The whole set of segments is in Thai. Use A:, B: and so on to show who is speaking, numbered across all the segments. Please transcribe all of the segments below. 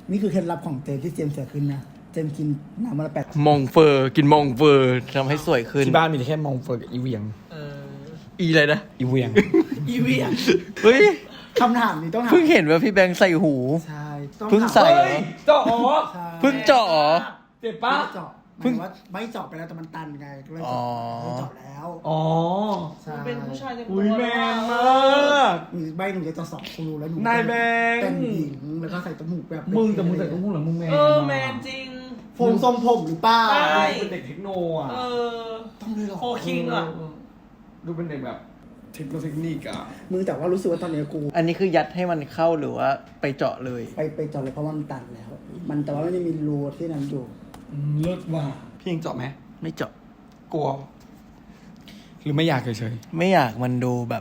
A: นี่คือเคล็ดลับของเจมที่เจมเสียขึ้นนะเจมกินน้ำวันละ8
B: มองเฟอร์กินมองเฟอร์ทำให้สวยขึ้น
C: ที่บ้านมีแค่มองเฟิร์กับอีเวียง
B: อีอะไรนะ
C: อีเวียง
A: อีเวีย
B: เฮ้ย
A: คำถามนี้ต้องถาม
B: เพิ่งเห็นว่าพี่แบงค์ใส่หู
A: ใช่ต้อง
B: เพิ่ง
A: ถาม
B: ใส่เหรอ
C: เจ้าอ๋อ
A: ใช่
B: เพิ่งเจาะเหรอ
C: เจ็บ
A: ไม่
C: ปะ
A: ได้เจาะหมายถึงว่าไม่เจาะไปแล้วแต่มันตันไงก็เลย
B: อ๋อ
A: เจาะแล้ว
C: อ๋อ
A: ใช่
D: เป็นผู้ชายเต็ม
C: อุ้ยแมนมาก
A: หนูใบหนูจะเจาะ2 รูแล้วหนู
C: นายแบงค์
A: เป็นหญิงแล้วก็ใส่จมูกแบบ
C: มึงแต่มึงใส่ตุ้งหูเหรอมึงแมน
D: แมนจริง
A: โฟมทรงผมหรือเปล่า
D: ใช่
C: เป็นเด็กเทคโนอ่ะ
A: ต้องเลยเหรอ
D: โฟคิงอ่ะ
C: ดูเป็นเด็กแบบเทคนิคอ่ะ
A: มึงแต่ว่ารู้สึกว่าตอนนี้กู
B: อันนี้คือยัดให้มันเข้าหรือว่าไปเจาะเลย
A: ไปเจาะเลยเพราะว่ามันตันแล้ว มันแต่ว่ามันยังมีรูที่นั้นอยู่
C: เลิศว่ะพี่ยังเจาะไหม
B: ไม่เจาะ
C: กลัว หรือไม่อยากเฉย
B: ไม่อยากมันดูแบบ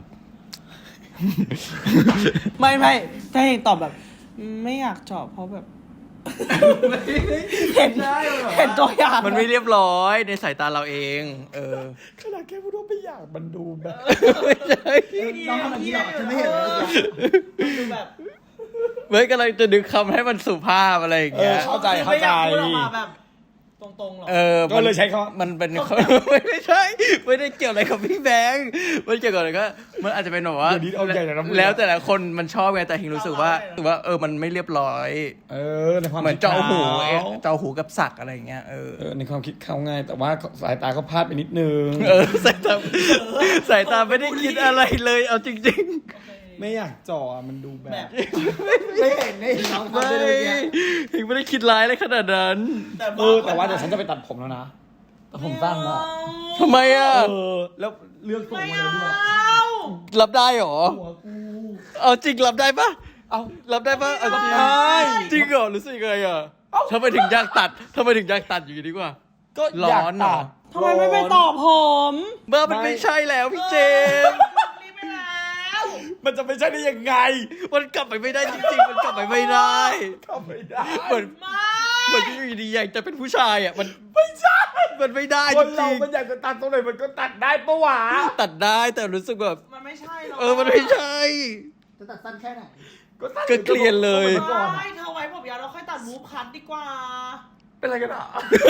D: ไม่ถ้าเห็นตอบแบบ ไม่อยากเจาะเพราะแบบ เห็นตัวอย่าง
B: มันไม่เรียบร้อยในสายตาเราเอง
C: ๆขนาดแค่พูดว่าไม่อยากมันดูแบบ
B: ไม่ใช่
A: น้องทำแบบนี้หรอฉันไม่เห็นเลย
D: ดูแบบ
B: เฮ้ยกำลังจะดึงคำให้มันสุภาพอะไรอย่างเงี้ย
C: เข้าใจ
D: ไม่อยากพูดออกมาแบบตรงๆหรอ
C: ก็เลยใช้คำว่า
B: มันเป็น ไม่ใช่ ไม่ได้เกี่ยวอะไรกับพี่แบงค์มันเกี่ยวกับอะไรก็มันอาจจะเป็นแบบว่า
C: เดี๋ยวนี้เอาใหญ่เลยนะมึง
B: แล้วแต่ละคนมันชอบไงแต่เฮงรู้สึกว่ามันไม่เรียบร้อย
C: ในความ
B: เหมือน
C: คิด
B: เจาะหู
C: เขา
B: เจาะหูกับสักอะไรอย่างเงี้ย
C: ในความคิดเขาไงแต่ว่าสายตาเขาพลาดไปนิดนึง
B: สายตาไม่ได้คิดอะไรเลยเอาจริง
C: ไม่อยากเจาะมันดูแบบ
A: ไม่เห็นน้อง
B: ๆ
A: ทำได้เลยเนี่ย
B: เฮงไม่ได้คิดร้ายอะไรขนาดนั้น
C: แต่ว่าเดี๋ยวฉันจะไปตัดผมแล้วนะแต่ผมสั้นแล้ว
B: ทำไมอ่ะ
C: แล้วเลือกทรง
D: ไม่
C: มา
D: เอา
C: แล้วด้วย
B: รับได้เหรอ
C: หัวกู
B: เอาจริงรับได้ปะ
C: เอา
B: รับได้ปะเอาจริง
C: ได้
B: จริงเหรอรู้สึกยังไงอ่ะทำไมถึงอยากตัดอยู่ดีกว่า
C: ก็
B: ร้
C: อยาก
B: อนเหร
C: ตั
B: อ
C: ด
D: ทำไมไม่ไปตอบผม
B: เบอร์มันไม่ใช่แล้วพี่เจมส์
D: รีบไปแล้ว
C: มันจะไม่ใช่ได้ยังไง
B: มันกลับไปไม่ได้จริงๆ มันกลับไปไม่ได้
C: ก็ไม่ได้
B: เหมือน
D: ไม่
B: เหมือนที่อยู่ดีอยากจะเป็นผู้ชายอ่ะมันไม่ใช่ มันไม่ได้
C: ค
B: จ
C: นเรา
B: ริง
C: มันอยากจะตัดตรงไหนมันก็ตัดได้ปะวะ
B: ๆตัดได้แต่รู้สึกแบบ
D: มันไม่ใช่หรอก
B: มันไม่ใช่
A: จะตัดสั้นแค่ไหน
C: ตัด
B: ก็เคลียร์เลย
C: ก่อน
D: ไม่เธอไว้ผมยาวแล้วค่อยตัดวูฟคัทดีกว่า
C: เป็นอะไรกันอ่ะ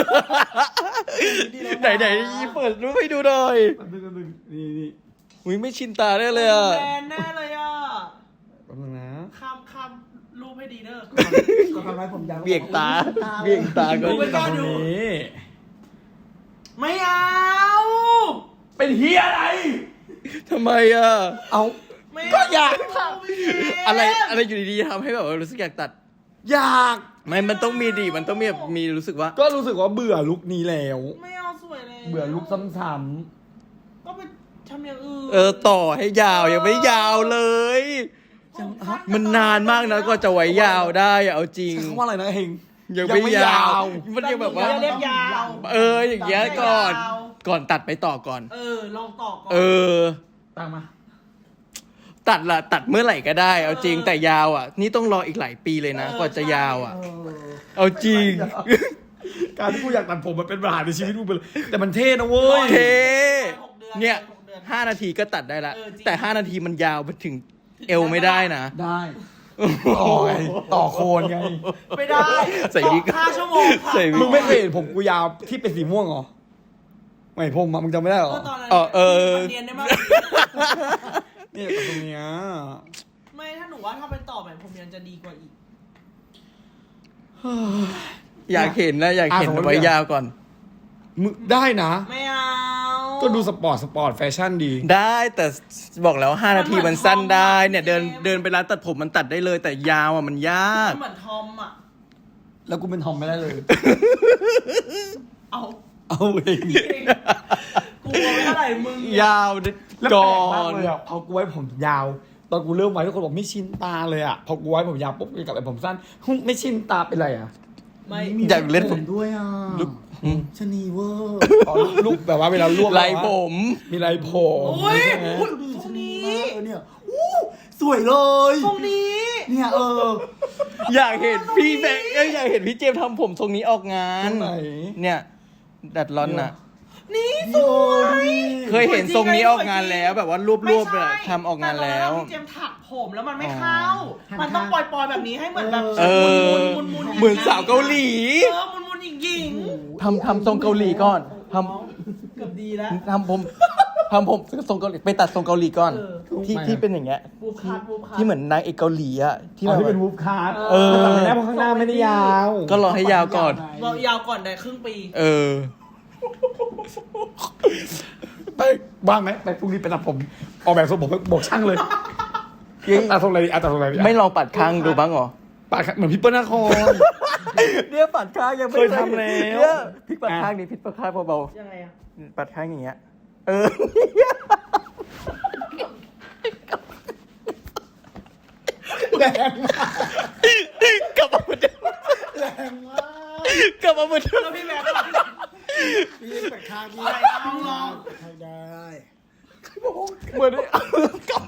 B: ไหนเปิดรูปให้ดูหน่อย
C: แป๊บนึงนี่
B: อุ้ยไม่ชินตาได้เลยอ่ะ
D: แบนแน่เลยอ่ะ
C: แป๊บนึงนะ
D: คำรูปให้ดีเด้อ
A: ก็ทำให้ผมยาว
B: เบี่ยงตาเบี่ยงตาก็
D: ดูไปก่อน
C: ตรงนี้
D: ไม่เอา
C: เป็นเฮียอะไร
B: ทำไมอ่ะ
C: เอา
D: ไม่
C: ก็อยาก
B: อะไรอยู่ดีๆทำให้แบบว่ารู้สึกอยากตัด
C: อยาก
B: ไม่มันต้องมีดิมันต้องมีแบบมีรู้สึกว่า
C: ก็รู้สึกว่าเบื่อลุคนี้แล้ว
D: ไม่เอาสวยเลย
C: เบื่อลุคซ้ำ
D: ก็ไปทำอย่างอื่น
B: ต่อให้ยาวยังไม่ยาวเลย มันนานมากนะกว่าจะไว้ยาวได้อะเอาจริง
C: ๆเขาว่าอะไรนะเฮง
B: ยังไม่ยาว มันยังแบบว่า
D: เรียกยาว
B: อย่างเงี้ยก่อนตัดไปต่อก่อน
D: ลองต่อก่อน
C: ตั้งมา
B: ตัดเมื่อไหร่ก็ได้ เอาจริงแต่ยาวอ่ะ นี่ต้องรออีกหลายปีเลยนะกว่าจะยาวอ่ะ เอาจริง
C: การที่กูอยากตัดผมมันเป็นปัญหาในชีวิตกูไปเลยแต่มันเท่นะเว้ย
B: เท
D: 6
B: เนี่ย
D: ดือน
B: 5 นาทีก็ตัดได้ละ
D: จริง
B: แต่ 5 นาทีมันยาวไปถึงเอวไม่ได้นะ
C: ได้ต่อไงต่อโคนไง
D: ไม่ได้
B: ใส่วิก
D: 5 ชั่วโมงค่ะ
B: ใส่วิก
C: มึงไม่เคยเห็นผมกูยาวที่เป็นสีม่วงเหรอไม่ผมอะมึงจำไม่ได้เหรอ
D: ตอนนั้น เรียนได้มาก
C: เนี่ยกับตรงเนี้ย
D: ไม่ถ้าหนูว่าถ้าเป็นต่อแบบผมยังจะดีกว่าอีก
B: อยากเห็นนะอยากเห็นไว้ยาวก่อน
C: มึงได้นะ
D: ไม่เอา
C: ก็ดูสปอร์ตแฟชั่นดี
B: ได้แต่บอกแล้ว5 นาทีมันสั้นได้เนี่ยเดินไปร้านตัดผมมันตัดได้เลย แต่ยาวอ่ะมันยาก
D: เหมือนทอมอ่ะ
C: แล้วกูเป็นทอมไม่ได้เลย
D: เอา
C: เอาเอง
D: กลัวไม่เท่าไหร่มึง
B: ยาว
C: แล้ว
B: ก่
C: แปล
B: อก
C: มาก
B: น
C: เลยอ่ะพอกูไว้ผมยาว ตอนกูเริ่มไว้ทุกคนบอกไม่ชินตาเลยอ่ะพอกูไว้ผมยาวปุ๊บกลับไปผมสั้นไม่ชินตาเป็นไรอ่ะ
D: ไม่
B: อยากเล่น
A: ผมด้วยอ่ะ
B: ลุก
A: ชะนีเวอร์
C: อ๋อลูกแบบว่าเวลารวบ
B: ลายผม
C: มีลายผม
D: โอ้ย
C: ใช่ไหม
D: ตรงนี้
A: เนี่ยอู้สวยเลย
D: ตรงนี้
A: เนี่ย
B: อยากเห็นพี่แบงค์อยากเห็นพี่เจมส์ทำผมทรงนี้ออกงาน
C: ตรงไหน
B: เนี่ยดัดร้อนน่ะ
D: นี่สวย
B: เคยเห็นทรงนี้ออกงานแล้วแบบว่ารวบ
D: ไม่
B: ๆ
D: ใช่
B: แบบทำออกงานแล้ว
D: ต่ตอพี่เจมส์ถักผมแล้วมันไม่เข้า มันต้องปล่อยๆแบบนี้ให้เหมือนแบบ
B: เออ
D: มุนๆ
B: เหมือนสาวเกาหลี
D: มุนๆหญิง
B: ทำทรงเกาหลีก่อนท
D: ๆเกือบดีแล้ว
B: ำทำผมทรงเกาหลีไปตัดทรงเกาหลีก่อน
D: เออ
B: ที่เป็นอย่างเงี้ย
D: บูบคัท
B: ที่เหมือนนางเอกเกาหลีอะที่
C: ที่
B: แบบ
C: ที่เป็นวูฟคาร์ด
B: เออ
C: แต่ไม่ได้เพราะข้างหน้าไม่ได้ยาว
B: ก็รอให้ยาวก่อน
D: บอกยาวก่อนได้ครึ่งปี
B: เออ
C: ไปว่างไหมไปพรุ่งนี้ไปตัดผมออกแบบทรงผมบอกช่างเลยตัดทรงอะไรดีตัดทรงอะไรดี
B: ไม่ลองปัดข้างดูบ้างเหรอ
C: ปากเหมือนพี่เปิ้ลนาคร
B: เนี่ยปัดข้างยังไม่
C: เคยทำแล้ว
B: เนี่ยพลิกปัดข้างนี่พลิกปัดข้างเบา
D: ยังไงอะ
B: ๆปัดข้างอย่างเงี้ย เออ
C: แรงมาก
B: กลับมาเหมือนเดิม
C: แรงมาก
B: กลับมาเหมือนเดิม
D: แล้วพี่แม่ก็
A: พี่ปัดข้างพี่
D: อะไรลอง
A: ใช้ได้
B: เหมือนกลับ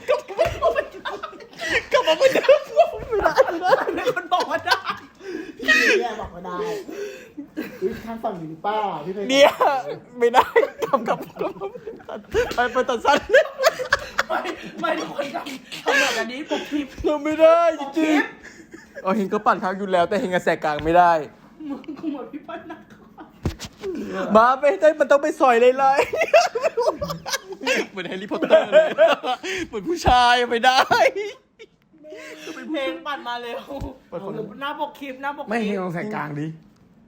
B: มาเหมือนเดิมไม่ได้
D: มีคนบอกว่าได้
A: พี่แย่บอกว่าได้ข้างฝั่งหรือเปล่าพี่เพ
B: เนี่ยไม่ได้กลับไปตัดสั้น
D: ไม่ทุกคนทำแบบนี้ปกคลิป
B: ทำไม่ได้จริงๆเฮงก็ปัดข้างอยู่แล้วแต่เฮงกระแสกลางไม่ได้
D: มึงกูเหมือนพี่ปั้นนะ
B: มาไปได้มันต้องไปซอยเลยเหมือนแฮร์รี่พอตเตอร์เลยเหมือนผู้ชายไม่ได้
D: เพลงปั่นมาเร็วหน้าปกคลิปหน้าปกคลิป
C: ไม่เฮงลองใส่กลางดิ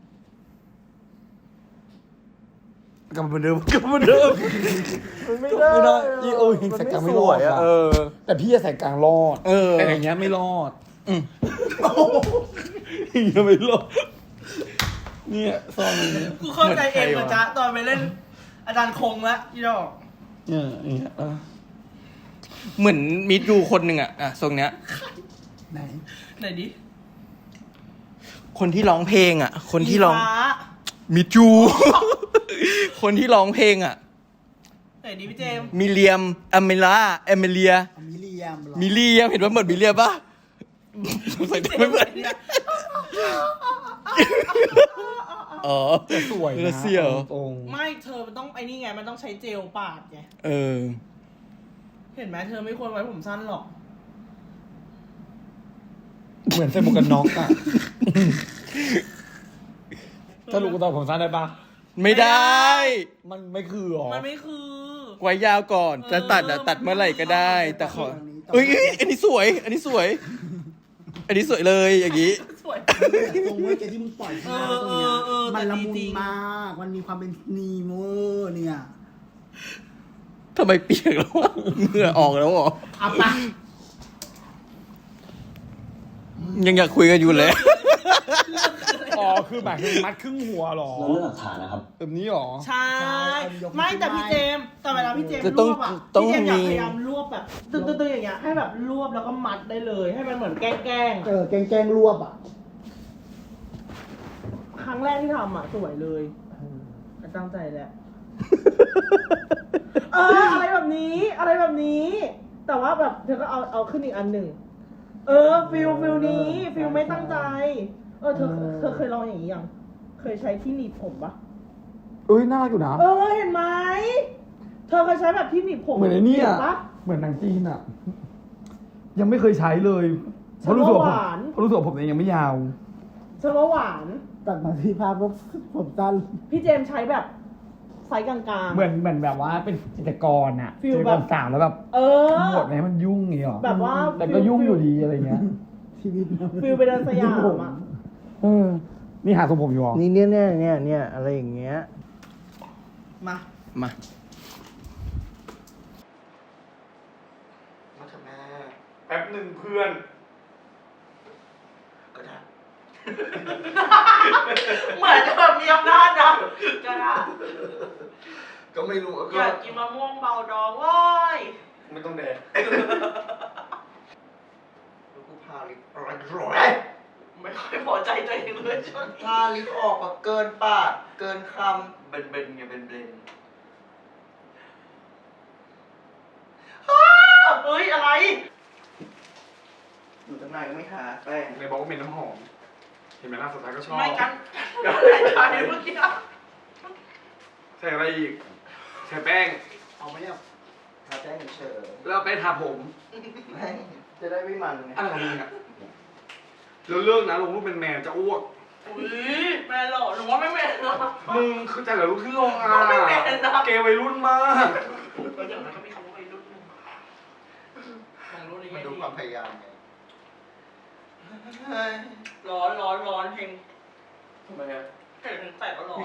C: กลับมาเหมือนเดิมไม่ได้โอ้ยเฮงใส่กลางไม่รอด
B: เออ
C: แต่พี่จะใส่กลางรอด
B: เออ
C: แต่อย่างเงี้ยไม่รอดอย่างเงี้ยไม่รอดเนี่ยซองนี้
D: กูเข้าใจเองเหมือนจ๊ะตอนไปเล่นอาจารย์คงละยี่ดอก
C: เนี่ยอย่างเงี้ย
B: เหมือนมิดยูคนหนึ่งอะทรงเนี้ย
A: ไหน
D: ไหนดิ
B: คนที่ร้องเพลงอะคนที่ร้อง
D: ฟ้า
B: มิดยู คนที่ร้องเพลงอะ
D: ไหนดิพี่เจมส์
B: มิเลียมเอเมเลีย
A: มิเลียมหรอ
B: มิเลียมเห็นว่าเหมือนมิเลียมปะใส่ไม่เหมือนอ๋อ
C: สวยนะ
B: เสียว
C: ตรง
D: ไม่เธอมันต้องไอ้นี่ไงมันต้องใช้เจลปาดไง
B: เออ
D: เห็นไหมเธอไม่ควรไว้ผมสั้นหรอก
C: เหมือนใส่หมวกกันน็อกอะถ้าลูกตาผมสั้นได้ปะ
B: ไม่ได้
C: มันไม่คือหรอ
D: มันไม่คือ
B: ไว้ยาวก่อนจะตัดอะตัดเมื่อไหร่ก็ได้ แต่ขอเอ้ยอันนี้สวย อันนี้สวย อันนี้สวยเลยอย่างงี้
D: สวย
A: ตรงเมื่อกี้ที่มึงปล่อยข้างหน้าตรงเนี้ย มันละมุนมาก มันมีความเป็นนีโมเนี่ย
B: ทำไมเปียกแล้ววะเหงื่อออกแล้วเหรอ
D: เอาปะ
B: ยังอยากคุยกันอยู่เลย
C: อ๋อคือแบบคือมัดครึ่งหัวหรอ
E: เราเลือกหลักฐานนะครับ
C: แบบนี้หรอ
D: ใช่ ไม่แต่พี่เจมส์แต่เวลาพี่เจมส์
B: จะ
D: ร
B: ต้อง
D: วบอะ
B: ต้อง
D: พี่เจมส์อยาก
B: มี
D: พยายามรวบแบบตึ้งๆอย่างเงี้ยให้แบบรวบแล้วก็มัดได้เลย ให้มันเหมือนแกล้ง
A: แกงรวบอ่ะ
D: ครั้งแรกที่ทำอ่ะสวยเลยตั้งใจแหละอะไรแบบนี้ อะไรแบบนี้ แต่ว่าแบบเธอก็เอาขึ้นอีกอันหนึ่งฟิลนี้ฟิลไม่ตั้งใจเธอเคยลองอย่างนี้ยังเคยใช้ที่หนีบผมปะ
C: เอ้ยน่ารักอยู่นะ
D: เห็นไหมเธอเคยใช้แบบที่หนีบผม
C: เหมือนไอ้เนี่ย
D: ห็ปะ
C: เหมือนหนังจีนอะยังไม่เคยใช้เลยเพราะรู้สึกว่าผมเองยังไม่ยาว
D: ฉันว่าหวาน
A: ตัดมาที่ภาพว่าผมสั้น
D: พี่เจมส์ใช้แบบไซส์กลางๆ
C: เหมือนแบบว่าเป็นจิตรกรอะ
D: ฟีล
C: จิตร
D: แบ
C: ก
D: บ
C: รสาวแล้วแบบ หมดไหมมันยุ่งอย่างเงี้ยหรอ
D: แบบว่า
C: แต่ก็ยุ่งอยู่ดีอะไรเงี้ย
A: ชีวิต
D: ฟิลไปเดินสยามอ่ะ
C: นี่หาทรงผมอยู่หรอ
B: นี่เนี่ยอะไรอย่างเงี้ย
D: มา
B: มา
C: มาทำแม่แป๊บหนึ่งเพื่อนก็ได้
D: เหมือนจะแบบมีอำนาจนะก็ได้
C: ก็ไม่รู้
D: อยากกินมะม่วงเบาดองโว้ย
C: ไม่ต้องแดก
E: กูพาลิปร้อย
D: ไม่ค่อยพอใจตัวเองเลยช่วงนี้
E: พาลิปออกแบบเกินปาก เกินคำ เบนไงเบน
D: เฮ้ยอะไร
E: อยู่ตรงไหนไม่หาแป้ง
C: ในบอกว่าเป็นน้ำหอม เห็นไหมล่ะสุดท้ายก็ชอบ
D: ไม่กันใช่เมื่อกี้
C: ใส่อะไรอีก
D: ใ
C: ใช้แป้ง
A: เอาไหมเนี่ย
E: ทาแป้งเฉย
C: แล้วไปทาผม
E: ๆไม่จะได้ไม่มันไง
C: อะไรของมึงอะแล้วเลิกนะลงรูปเป็นแมวจะอ้วก
D: อุ้ยแม่หล่อหนูว่าไม่แม่หรอก
C: มึงคือแต่ละรูปที่ลงอ่ะ
D: ไม่เป็นนะ
C: เกย์วัยรุ่นมาก
D: เดี๋ยวมันก็มีคำว่าวัยรุ่นของรุ่นนี้
E: มันดูความพยายามไง
D: ร้อนเพลง
C: ทำไมอะ
D: เห็นถึงแตกก็ร้อน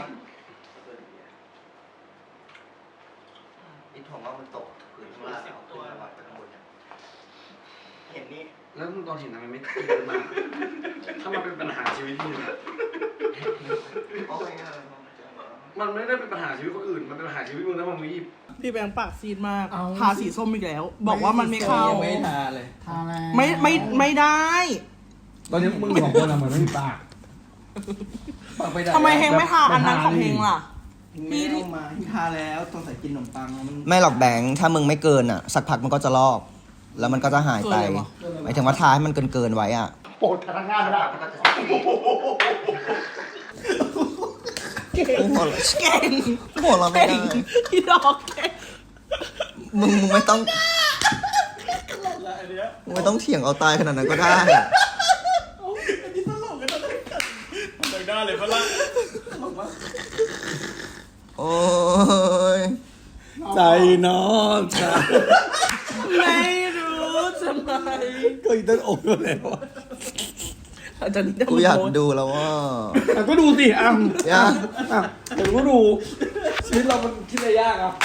E: อินผมว่ามันตกพื้นข้างล่างเอาขึ้นมาไปข้างบนเนี่ยเห็นนี่
C: แล้วมึงตอนเห็นทำไมไม่ตื่นมาถ้ามันเป็นปัญหาชีวิตมึงอะ
E: โอ้ย
C: มันไม่ได้เป็นปัญหาชีวิตคนอื่น มันเป็นปัญหาชีวิตมึงถ้ามึงไม่หยิบ
D: พี่แบงค์ปากซีดมากทาสีส้มอีกแล้ว บอกว่ามันไม่เข้า
B: ไม่ทาเลย
A: ทาแล้ว
D: ไม่ได้
C: ตอนนี้มึงสองคนอะเหมือนไม่มีปาก
B: ปากไปได้
D: ทำไมเฮงไม่ทาอันนั้นของเฮงล่ะ
B: พี่ที่มาที่ทาแล้วต้องใส่กินขนมปังมัน
F: ไม่หรอกแบงค์ถ้ามึงไม่เกินอ่ะ สักพักมันก็จะลอก แล้วมันก็จะหายไป
D: เกินเลยวะ
F: หมายถึงว่าทาให้มันเกินไว้อ่ะ
A: โปรดพนักงานไม่ได้
D: เก่ง
F: หัวเราะ
D: เก่ง
F: หัวเราะไม่ได้
D: พี่ดอกเก่ง
F: มึงไม่ต้องมึงไม่ต้องเถียงเอาตายขนาดนั้นก็ได้อะ
C: เลยได้เลยพะล่ะ
F: โอ้ย
C: ใจน้องจ้า
D: ไม่รู้ทำไม
C: ก็อีต้นอกอยู่แล้ว
D: อาจารย์นี่
F: กูอยากดูแล้วว่า
C: ก็ดูสิอ่ะ
F: อยาก
C: เดี๋ยวก็ดู ชีวิตเรามันคิดอะไรยากอ่ะ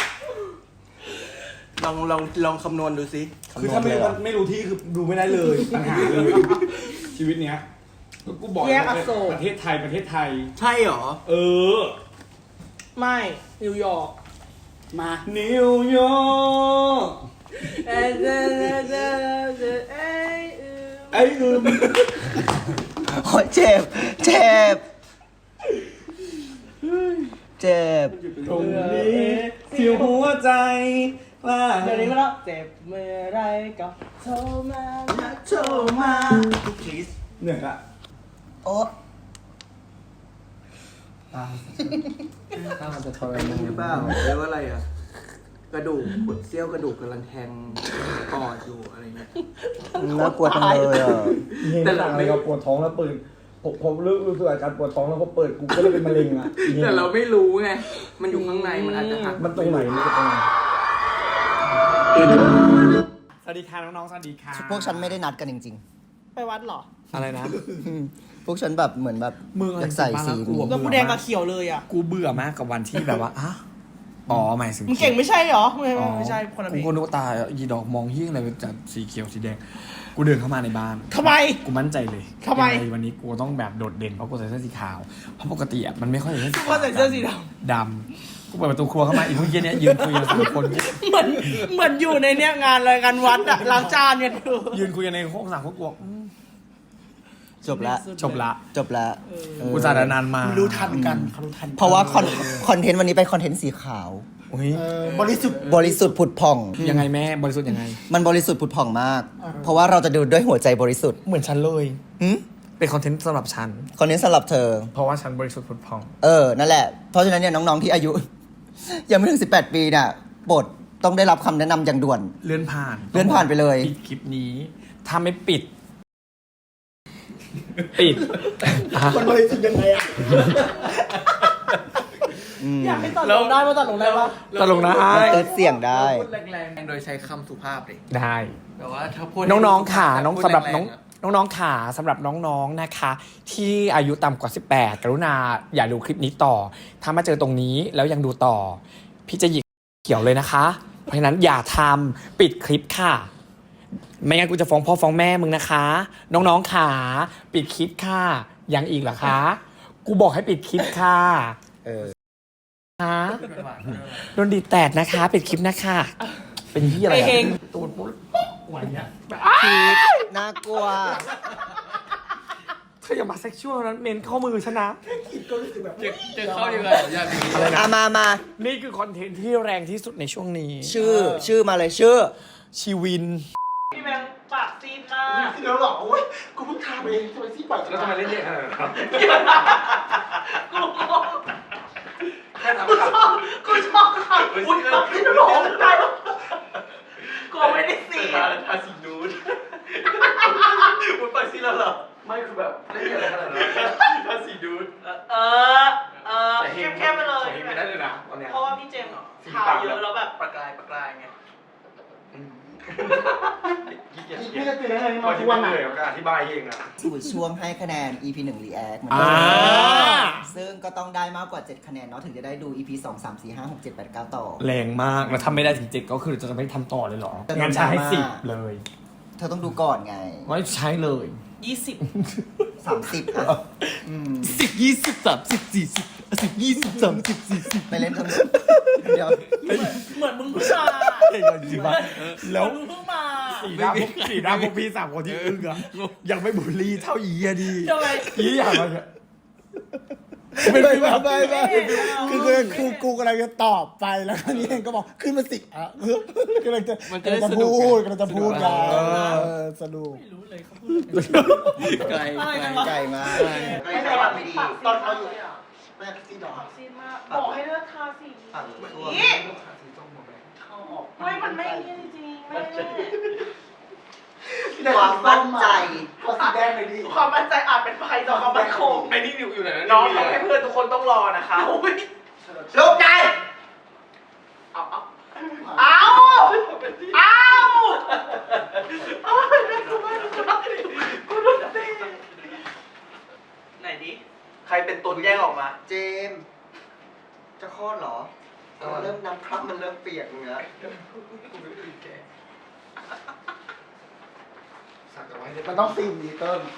B: ลองคำนวณดูสิ
C: คือถ้าไม่รู้ที่คือดูไม่ได้เลยปัญหาเลย ชีวิตเนี้ยก็กูบอก
D: แยกอโศก
C: ประเทศไทย
B: ใช่หรอ
C: เออ
D: ไม่นิวยอร์ก
A: มา
C: นิวยอร์กไอ้อึม
F: โอ้ยเจ็บ เจ็บ เจ็บ
C: ตรงนี้ที่หัวใจว่า
D: เดี๋ยวนี้ก็แล้วเจ็บเมื่อไรก็โทรมาโทรมา
C: เหนื่อยละ
F: โอ้
B: ถ้ามันจะทรมานหรือเปล่าเรียกว่าอะไรอ่ะ กระดูกเสี้ยวกระดูกกำลังแทงปอดอยู่อะไรเงี้ย
F: น่ากลัวจังเลยอ่ะ
C: แต่หลังอะไรก็ปวดท้องแล้วเปิดผมรู้สึกอาการปวดท้องแล้วพอเปิดกูก็เลยเป็นมะเร็งอ่ะ
B: แต่เราไม่รู้ไง มันอยู่ข้างในมันอาจจะหัก
C: มันตรงไหนมันจะตรงไหนสวัสดีค่ะน้องๆสวัสดีค่ะ
F: พวกฉันไม่ได้นัดกันจริง
D: ไปวัดเหรอ
C: อะไรนะ
F: ๆ พวกฉันแบบเหมือนแบบ
C: มึง
F: อยากใส่สีนี้
D: แล้วกูแดงกับเขียวเลยอ่ะ
C: กูเบื่อมากกับวันที่แบบว่าอ่ะอ๋อหมายถึง
D: มึงเก่งไม่ใช่เหรอ ไม่ใช่คนละเพล
C: กู
D: ง
C: คนนึกว่าตายีดอกมองเฮี้ยงอะไรเป็นจากสีเขียวสีแดง กูเดินเข้ามาในบ้าน
D: ทำไม
C: กูมั่นใจเลย
D: ทำไม
C: ยังงวันนี้กูต้องแบบโดดเด่นเพราะกูใส่เสื้อสีขาว เพราะปกติอ่ะมันไม่ค่อยใส่เสื้อสี
D: กู
C: ขาว
D: ใส่เสื้อสีด
C: ดำกูเปิดประตูครัวเข้ามาอีกเมื่อกี้เนี้ยยืนคุยกันสามคน
D: ำเหมือนอยู่ในเนี้ยงานอะไรกันวัดอะล้างจานเนี่ยดู
C: ยืนคุยกันในห้องสามคนกูบอก
F: จบละ
C: จบละ
F: จบละเออ
C: กูจ่ายนานมา
A: รู้ทันกันเขารู้ทันกัน
F: เพราะว่าคอนเทนต์วันนี้เป็นคอนเทนต์สีขาว
C: อุ้ย
A: บริสุทธิ์
F: บริสุทธิ์ผุดผ่อง
C: ยังไงแม่บริสุทธิ์ยังไง
F: มันบริสุทธิ์ผุดผ่องมาก เพราะว่าเราจะดูด้วยหัวใจบริสุทธิ์
C: เหมือนฉันเลย
F: หึ
C: เป็นคอนเทนต์สำหรับฉัน
F: คอนเทนต์สำหรับเธอ
C: เพราะว่าฉันบริสุทธิ์ผุดผ่อง
F: นั่นแหละ เพราะฉะนั้นเนี่ยน้องๆที่อายุ ยังไม่ถึง 18 ปีน่ะโปรดต้องได้รับคำแนะนำอย่างด่วน
C: เลื่อนผ่าน
F: เลื่อนผ่านไปเลย
C: ปิดคลิปนี้ ถ้าไม่ปิด ปิด
A: มันบริสุทธิ์ยังไงอ่ะ
D: อยากให้ตัดลงได้มาตัดลงได้ปะ
C: ตลกนะ
F: มันเติร์ดเสียงได้
B: พูดแรงๆโดยใช้คำสุภาพเลย
C: ได้
B: แต่ว่าถ้าพูด
C: น้องๆขาน้อง
B: พูด
C: สำหรับ
B: แงๆะ
C: น้องๆขาสำหรับน้องๆนะคะ ที่อายุต่ำกว่า 18 กรุณาอย่าดูคลิปนี้ต่อ ถ้ามาเจอตรงนี้แล้วยังดูต่อ พี่จะหยิกเขียวเลยนะคะ เพราะฉะนั้นอย่าทำปิดคลิปค่ะ ไม่งั้นกูจะฟ้องพ่อฟ้องแม่มึงนะคะ น้องๆขาปิดคลิปค่ะยังอีกเหรอคะ กูบอกให้ปิดคลิปค่ะ คะโดนดีดแตดนะคะ ปิดคลิปนะคะ เป็นที่อะไร
D: ไอเฮง
C: ตูดปุ๊บไหวเนี่ย
F: น่ากลัว
C: เธออย่ามาเซ็กชวลนั้นเมนเข้ามือฉันนะ
B: จะเข้ายังไงอย่าดี
F: มา
C: นี่คือคอนเทนต์ที่แรงที่สุดในช่วงนี้
F: ชื่อมาเลยชื่อ
C: ชีวิน
D: พี่แบงค์ปากซีดมาก
A: เดี๋ยวหรอโอ้ยกูเพิ่งทำเองทำไมซี่ปาก
C: แล้วทำไมเล่นเยอะขนาดนั้นครับ
D: กูงง
C: แค่
E: ทำข่าว
D: กูชอบข่าวคุณที่ร้องได้กูไม่ได้สี
E: ทาสีนูดคุณไปซีแล้วเหรอไม่คือแบบเล่นอะไรขนาดนั้นทาสีนูด
D: เข้มๆไปเลย
E: ไม่ได้เลยนะตอนเนี้ย
D: เพราะว่าพี่เจมส์ทาเยอะแล้วแบบประกายไง
A: พี่จะตื่นได้ไงมาทุกวันไหน
E: ก็อธิบายเองอ่ะ
F: สู่ช่วงให้คะแนน EP 1 React เหมือน
C: อ่า
F: เดิมซึ่งก็ต้องได้มากกว่า 7 คะแนนเนาะถึงจะได้ดู EP 2 3 4 5 6 7 8 9 ต่อ
C: แรงมากแล้วทำไม่ได้ถึง7ก็คือจะไม่ทำต่อเลยเหรอ งั้นใช้ให้10เลย
F: เธอต้องดูก่อนไง
C: ไม่ใช้เลย
D: 20
F: 30อ่ะ
C: 10 20 30 40 10 20 30 40
F: ไปเล่นกันเดี๋ยว
D: เหมือนมึงเพิ่งมา
C: เห็นจริงปะแล้ว
D: มึงเพิ่งมา
C: สีหน้าพวกพี่3คนที่อึ้งอะยังไม่บูลลี่เท่าอีอะดี
D: ทำไม
C: อีอย่างมันอะ
A: ไม่คือกูกำลังจะตอบไปแล้วนี่เองก็บอกขึ้นมาสิอ่ะกำลังจะพูดกันสนุก
D: ไม่รู้เลยเขาพูด
C: ไกล
F: ไกลมาก
E: ไม่ใช่แบบไม่ดี
D: ตอนเขาอยู่
A: แม่ซีดอก
D: ซีนมากบอกให้เลิกทาสี
E: ฝั่งตัว
D: นี่
E: เข้าออก
D: ไม่มันไม่จริงๆไม่
F: ความมั่นใจ
A: ขอสีแดงเลยดิ
D: ความมั่นใจอาจเป็นภัยต่อความมั่นคง
E: ไอ้นี่อยู่ไหน
D: น้องทำให้เพื่อนทุกคนต้องรอนะคะ
F: ลูกใจ
D: ไหนดิ
E: ใครเป็นตุนแยกออกมา
F: เจมส์จะคลอดเหรอเริ่มน้ำคร่ำมันเริ่มเปียกเนื้อ
E: สักเอาไว้
A: มันต้องซีมดีเติม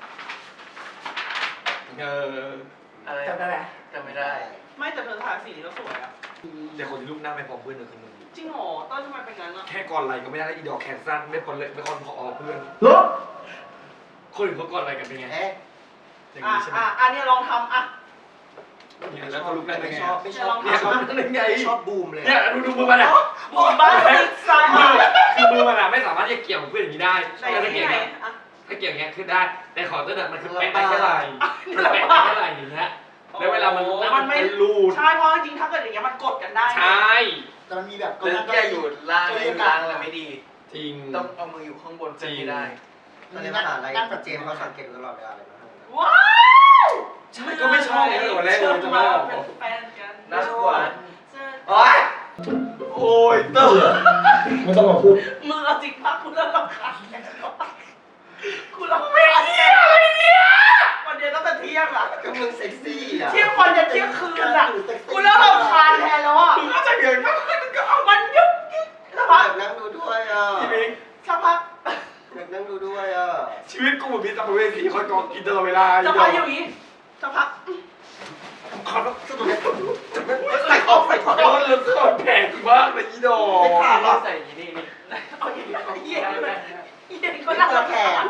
E: อะไร
D: จำได้ไหม
E: จำไม่ได้
D: ไม่แต่เธอทาสีนี้ก็สวยอ่ะ
E: แต่คนที่รูปหน้าไม่พอเพื่อนเลยคือมึง
D: จริงเหรอต้นทำไมเป็นงั้นอ่ะ
E: แค่ก่อนไหลก็ไม่ได้อีดอกแขนสั้นไม่พอเลยไม่พอเพื่อน
A: ลบ
E: คนอื่นเขาก่อนไหลกันเป็นไง
F: เอ๊ะ
E: อย่างนี้ใช่ไหม
D: อันนี้ลองทำอ่ะ
E: แล้วก็รูปได้เป็นไง
F: ไม่ชอบ
E: เนี่ยเขาเป็นไง
F: ชอบบูมเลย
E: เนี่ยดูมือมันอ่ะ
D: บูมบ้าติ๊กไซด์
E: คือมือมันอ่ะไม่สามารถจะเกี่ยวกับเพื่อนอย่างนี้ได้
D: ไหน
E: ถ้า
D: ที่
E: เกี่ยว
D: ไหน
E: เงี้ย
D: อ่ะ
E: ถ้าเกี่ยวเงี้ยขึ้นได้ แต่ขอเต้นมันคือแปะได้แค่ไหลมันแปะได้แค่ไหลอย่างเงี้ยแล้วเวลามันรูด
D: ใช่เพราะจริงๆถ้าเกิดอย่างเงี้ยมันกดกันได้
E: ใช่
A: แต่มันมีแบบ
E: เรื่องแก้อยู่ล่างอะไรไม่ดี จริง
B: ต้องเอามืออยู่ข้างบนจะไม่ได้
F: ตอนนี้ภาษาอะไรเจมส์เขาสังเกตตลอดเวลาเลยนะ
D: ว้าว
E: ใช่ก็ไม่ชอบเลยตัวแรกเลยจะไม่ออก
D: เป็นแฟนกัน
E: น่ากลัว
D: โอ๊ย
E: โอ้ยเตอร์
A: ไม่ต้องมาพูด
D: มึงเอาจริงปะกูเริ่มรำคาญกูรำคาญอะไรเนี่ยวันเดียวตั้งแต่เที่ยงอ่ะ
F: ก็มึงเซ็กซี่อ่ะ
D: เที่ยงวันจะเที่ยงคืนอ่ะกูเริ่มรำคาญแทนแล้วอ่ะ
E: มึงก็จะเกิดมากมันก็เอา
D: มันยุบยิบสักพัก
F: อยากนั่งดูด้วยอ่ะ
E: พี่บิ๊ก
D: สักพัก
F: อยากนั่งดูด้วยอ่ะ
E: ชีวิตกูเหมือนมีตำรวจสีคอยกองกินตลอดเวลา
D: สักพักอยู่อย่างนี้สักพัก
E: ขอต้องสุดเลยใส่ของโดนแล้วขอแผงมากเลยอีดอกใส่อย่างนี้นี่
D: เอาอย่างนี้เยี่ยมเลยเยี่ยมก็น่ารักแขก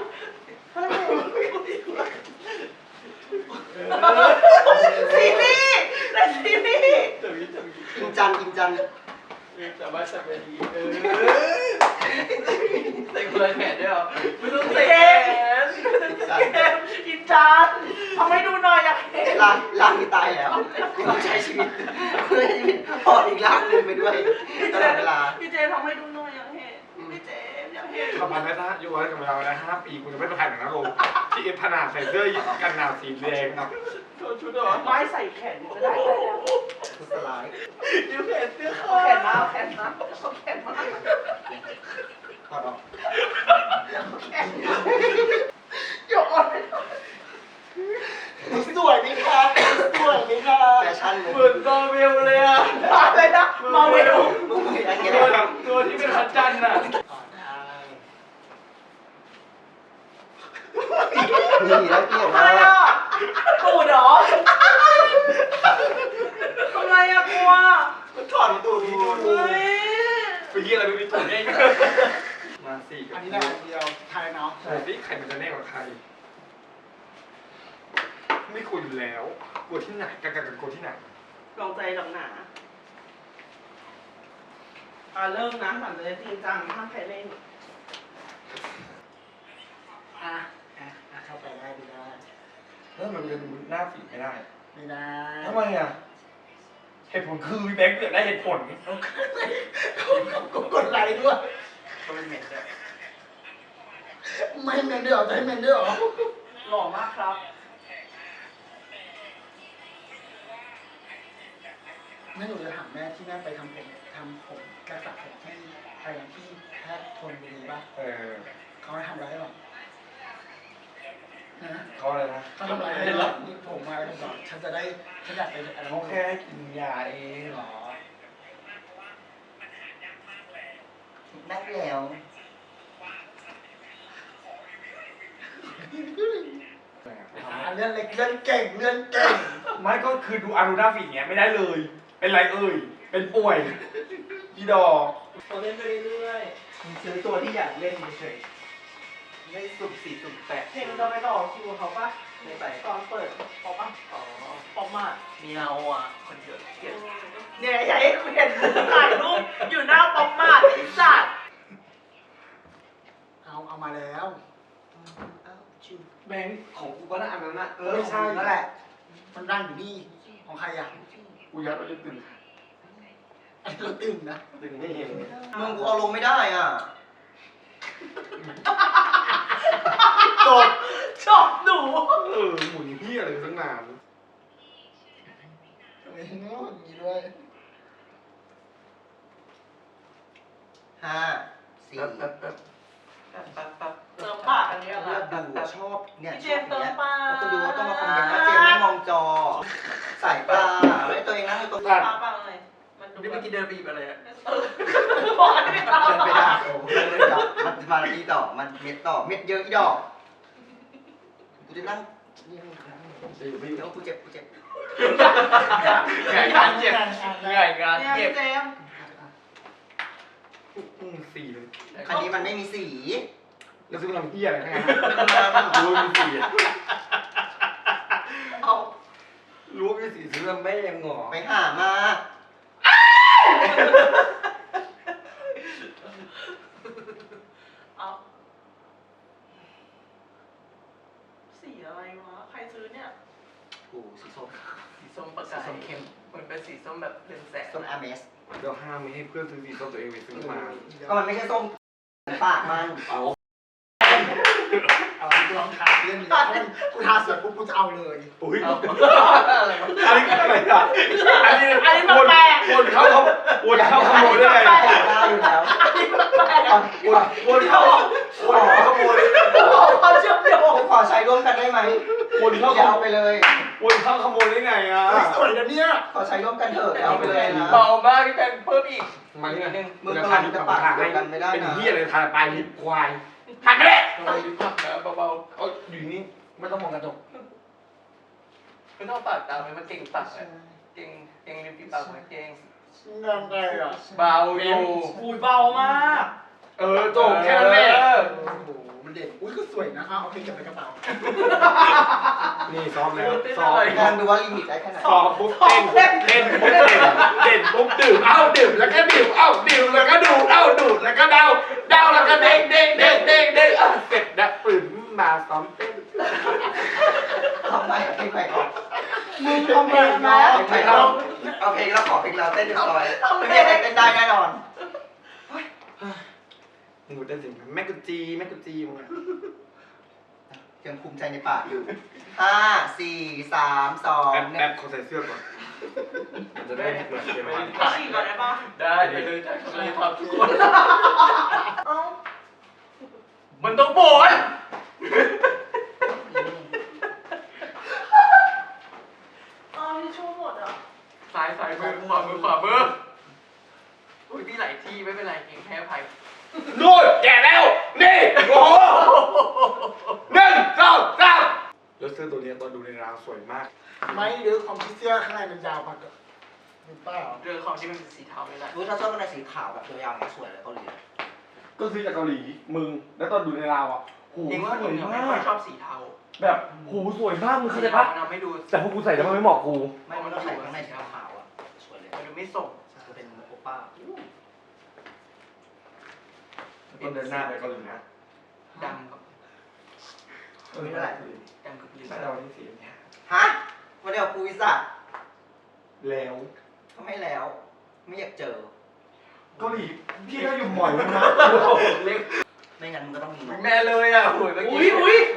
D: ซีรีส์แต่ซีรีส์
F: อิมจันอิมจัน
E: แต่ว่าใส่ไม่ดีใส่คนละแขนด้วยเหรอไม่ต้องใส่
D: เก
E: แข
D: ม
E: น
D: เกมอินจานทำให้ดูหน่อยอยากเห็น
F: ร่างที่ตายแล้วต้องใช้ชีวิตพออีกร่างหนึ่งไปด้วยตลอดเวลา
D: พี่เจทำให้ดูหน่อยอยากเห็นพี่เจอยากเห็น
E: ประมาณนั้นนะอยู่ไว้กับเราแล้ว5 ปีกูจะไม่ไปถ่ายหนังนะลงที่เอฟพนาใส่เสื้อกันหนาวสีแดงครับชุดเหรอ
D: ไม้ใส่แขนก็ได้
F: สลาย
E: ยูแขนเสื้อ
D: เอาแขนมาเอาแขนมาเอาแขนมา
F: ถอดออก
D: โยกอ่อนไป
A: สวยไหมคะสวยไหมคะ
F: แฟชั่น
E: เหมือนตอเวลเลยอ่ะ
D: อะไรนะมาเวล
F: มึงไม่ได้
E: ตัวที่เป็นพระจันทร์อ่ะ
F: นี่แล้วเกี่ยว
D: อะไร
F: มา
D: อ่ะตูดเหรอทำไมอ่ะกลัว
E: ถอดตูด
D: เฮ้ย
E: ไปยี่อะไรไม่มีตูดแน่มาสี่กับ
A: อันนี้ได้เดียวไทยเนาะ
E: ใช่พี่ใครมันจะแน่กว่าใครไม่คุยอยู่แล้วกลัวที่ไหนกันกลัวที่ไหน
D: ลองใจหนักหนาเริ่มนะหลังจากจริงจังห้ามใครเล่น
A: เข้าไปได้ไม่ได้
E: แล้วมันจะดูหน้าฝีไม่ได้
A: ไม่ได้
E: ทำไมอ่ะ
A: แข
E: เหตุผลคือพี่แบงค์เกิดได้เหตุผล
A: กดไลค์ด้วย
B: ก็เป็นเหม็นด้วย
A: ไม่เมนด้วยเหรอจะให้เมนด้วยเหรอ
D: หล่อมากครับ
A: แม่หนูจะถามแม่ที่แม่ไปทำผมรักษาผมที่อะไรนะที่แพทย์ทนบุรีป่ะ เขาให้ทำอะไรให้หรอฮะ
E: เขาอะไรนะ
A: เขาทำอะไรให้หรอผมมาแล้วบอกฉันจะได้ฉันอยากไปอะไร
E: เขาแค่กินยาเองเหรอ
F: ได้แล้ว
A: เลื่อนเล็กเลื่อนเก่งเลื่อนเก่ง
E: ไม่ก็คือดูอารูนาฟิกเงี้ยไม่ได้เลย เป็นไรเอ่ย เป็นป่วยพี่ดอก
D: เราเล่นไปเรื่อย
B: มึงซื้อตัวที่อยากเล่นเฉยๆไม่สุ่มสี่สุ่มแปด
D: ๆเพลงจะไปต่อคิวเขาปะ
B: ไม่ไป
D: ตอนเปิดปอปะ
B: อ๋อ
D: ปอมาก
B: มีเอาอ่ะ คนเยอะเกลียด
D: เนี่ยอยากให้คุณเห็นถ่ายรูปอยู่หน้าปอมมากไอ้สัตว์
A: เอามาแล้ว
E: แบงค์ของกูก็น่าอันนั้นนะ
A: ไม่ใช่นั่นแหละ มันร่างอยู่นี่ของใครอ่ะ
E: กูยัดเราจะตื่น
A: อันนี้เราตื่นนะ
E: ตื่นไม่เห็น
F: มึงกูเอาลงไม่ได้อ่ะ
A: จบ
D: ชอบหนู
E: หมุนเฮียอะไรตั้งนาน
A: ทำไมโง่อย่างนี้ด้วย
F: 5 4
B: แป๊บแป๊บแป๊บแป๊บ
D: เติมปากอันนี้อะไร
F: เลือกดูอะชอบเนี่ย
D: พี่
F: ช
D: เจ
F: อบ
D: มส์เติ
F: เนี่
D: ม
F: ย
D: ปาก
F: แล้วคนดูก็มาคอมเมนต์ว่าเจมส์ไม่มองจอ สายตาไม่ตัวเองนั่งอยู่ตรง
D: ป
F: นี้
D: ากปากเลยมันดู
B: นี่
D: แบ
B: เมื่อบ กี้เดินไปหยิบอะไรอ่ะ
D: บอกให้ไม่ตาม
F: เดินไปได้โอ้โหเดินไปได้มันมาทีต่อมันเม็ดต่อเม็ดเยอะอีดอกกูจะนั่งนี่เดี๋ยวกูเจ็บ
B: เหนื่อยงานเจ็บเหนื่อยงาน
D: เนี่ย
B: เจ็บ
D: พี่เจมส์
E: สี่เลย
F: อันนี้มันไม่มีสี
E: แล้วซื้อมาทำเฮียอะไรทั้งนั้นรู้มีสี่
D: เอา
E: รู้มีสี่ซื้อมาไม่ยังหงอ
F: ไปหามา
D: เอาสีอะไรวะใครซื้อเนี่ย
F: กูสีส้ม
B: สีส้มประกายส้มเข้มมันเป็นสีส้มแบบเรืองแสง
F: ส้มอาเมส
E: เดี๋ยวห้ามไม่ให้เพื่อนซื้อสีส้มตัวเองไปซื้อมา
F: ก็มันไม่ใช่ส้มปากมัน
E: เอา
A: เอากูลองทาเรื่องนี้เพราะมันกูทาเสร็จปุ๊บกูจะเอาเลย
E: อุ้ยอันนี้อะไรอ่ะอันนี้วนเข้าขโมยได้ไง
F: ได้อยู่แล้ว
E: วนเข้าขโมยได้ไง
D: เขาเชื่อมโยง
F: กูขอใช้ร่วมกันได้ไหม
E: วนเข้า
F: อย่าเอาไปเลย
E: วนเข้าขโมยได้ไงอ่ะ
A: สวยนะเนี่ย
F: ขอใช้ร่วมกันเถอะอย่าเอาไปเลยนะ
B: เบามากพี่แบงค์เพิ่มอีก
E: มันนี่นึง
F: มึงกำลังจะปากเดียวกันไม่ได้นะ
E: เป็นเหี้ยอะไรทานปลายลิ้นควายหันไปเลย
B: ลิ้นผักนะเบา
E: เอาอยู่นี่ไม่ต้องมองกระจก
B: ๆไม่ต้องปากตามมันเก่งปากเลยเก่งริมฝีปากมันเก่ง
A: งงไงอ่ะ
B: เบาอยู่
D: อุ้ยเบามาก
E: จบแค่นั้นแหละ
A: โอ้โหมันเด็ดอุ้ยก็สวยนะเอาเพลงเก็บในกระเป๋า
E: นี่ซ้อมแล้วซ้อม
F: ลองดูว่าลิมิตได้แค่ไหน
E: ซ้อมปุ๊บเต้นปุ๊บเด่นปุ๊บดื่มดื่มแล้วก็ดื่มดื่มแล้วก็ดูดูดแล้วก็เดาแล้วก็เด้งเสร็จนะตื่นมาซ้อมเต้น
F: ทำไมเพลงใหม่ก่อน
A: มึงทำไมนะ
F: เพลงใหม่เราเอาเพลงเราขอเพลงเราเต้นเรียบร้อยไม่ได้เต้นได้แน่นอน
E: มึงเต้นสิแม่กุจีมึง
F: ยังภูมิใจในปากอยู่ 5 4 3 2
E: แอบเขาใส่เสื้อก่อนมันจะได้เหมือนเกมวัน
D: ฉีกก่อนได้ปะ
B: ได้ไปเลยได้เลยครับทุกคน
D: เอ้า
B: มันต้องโบน
D: เอาที่ชู่หมดอ่ะ
B: ซ้ายมือขวามืออุ้ยพี่หลายที่ไม่เป็นไรเก่งแพ้ภัย
E: นู่นแก่แล้วนี่โอ้โห1 2 3แล้วเสื้อตัวนี้ตอนดูในร้านสวยมาก
A: ไม่หรือความที่เสื้อข้างในมันยาวมากหรือเปล่า
B: เรื่องของที่มันเป็นสีเทาไม่ได้
F: ถ้าชอบกันในสีขาวแบบยาวๆเนี่ยสวยเลยเกาหลี
E: ก็ซื้อจากเกาหลีมึงแล้วตอนดูในราวอ่ะโห
B: จริงว่าห
E: ส
B: นู
E: วย
B: ยังไม่
E: มา
B: ค่อก ยชอบสีเทา
E: แบบโหสวยมากมึงเข้าใจปะ
B: มันทำให้ดู
E: แต่พอกูใส่แล้วมันไม่เหมาะกู
F: ไม่มันต้องใส่ข้างในสีขาวอ่ะสวยเลย
B: มันดูไม่ส่ง
F: จะเป็นโอป้า
E: ต้นเดินหน้าไปเกาหลีนะ
B: ดำกับ
F: ไม่เท่าไหร่
B: ดำกับเหลือง
E: แต่เราที่สีเนี่ย
F: ฮะวันเดียวปูวิซ่า
E: แล้ว
F: เขาให้แล้ว ไม่อยากเจอ
E: เกาหลีที่เราอยู่บ่อยนะเล็ก
F: ไม่งั้นมันก็ต้องมี
E: แม่เลยอ่ะโอ้ยเมื่อกี้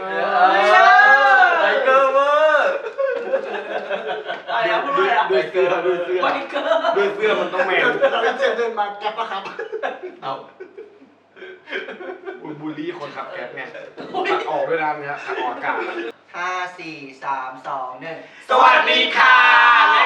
E: ไทเกอร์เวอร์
D: อะไรนะพูดอะไรนะ
E: ดูเสื้อดูเสื้อ
D: ไบเกอร์
E: ดูเสื้อมันต้องแมน
A: เราเป็นเจมเดินมาแก๊ปปะครับ
E: เอาบูลลี่คนขับแก๊ปไงขับออกด้วยนะเนี่ยขับออกอากาศ
F: 5 4 3 2 1
E: สวัสดีค่ะ